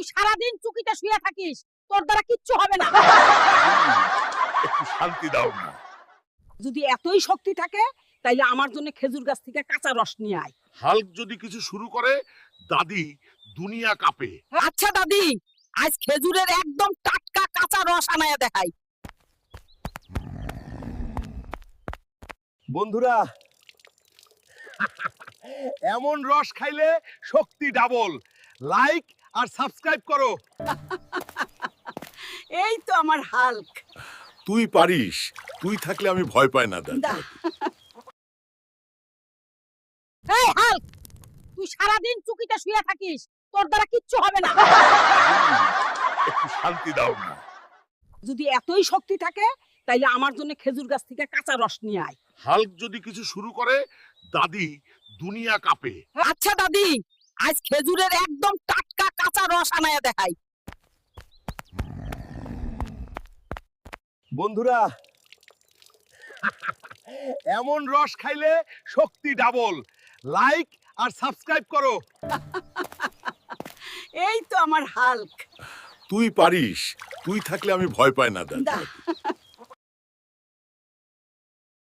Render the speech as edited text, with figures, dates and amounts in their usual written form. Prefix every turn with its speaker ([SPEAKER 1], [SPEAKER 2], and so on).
[SPEAKER 1] সারাদিন চুকিতে শুয়ে থাকিস, তোর দ্বারা কিচ্ছু হবে না।
[SPEAKER 2] একটু শান্তি দাও না।
[SPEAKER 1] যদি এতই শক্তি থাকে তাইলে আমার জন্য খেজুর গাছ থেকে কাঁচা রস নিয়ে আয়।
[SPEAKER 2] হাল্ক যদি কিছু শুরু করে, দাদি দুনিয়া কাঁপে।
[SPEAKER 1] আচ্ছা দাদি, আজ খেজুরের একদম টাটকা কাঁচা রস আনায়া দেখাই।
[SPEAKER 2] বন্ধুরা, এমন রস খাইলে শক্তি ডাবল। লাইক আর সাবস্ক্রাইব করো।
[SPEAKER 1] এই তো আমার হাল্ক।
[SPEAKER 2] তুই পারিস, তুই থাকলে আমি ভয় পাই না দাদা।
[SPEAKER 1] এই হাল্ক, তুই সারাদিন চুকিতে শুয়ে থাকিস, তোর দ্বারা কিচ্ছু হবে না।
[SPEAKER 2] একটু শান্তি দাও না।
[SPEAKER 1] যদি এতই শক্তি থাকে তাইলে আমার জন্য খেজুর গাছ থেকে কাঁচা রস নিয়ে আয়।
[SPEAKER 2] হাল্ক যদি কিছু শুরু করে, দাদি দুনিয়া কাঁপে।
[SPEAKER 1] আচ্ছা দাদি, আজ খেজুরের একদম টাটকা কাঁচা রস আনায়া দেখাই।
[SPEAKER 2] বন্ধুরা, এমন রস খাইলে শক্তি ডাবল। লাইক আর সাবস্ক্রাইব করো।
[SPEAKER 1] এই তো আমার হাল্ক।
[SPEAKER 2] তুই পারিস, তুই থাকলে আমি ভয় পাই না দাদা।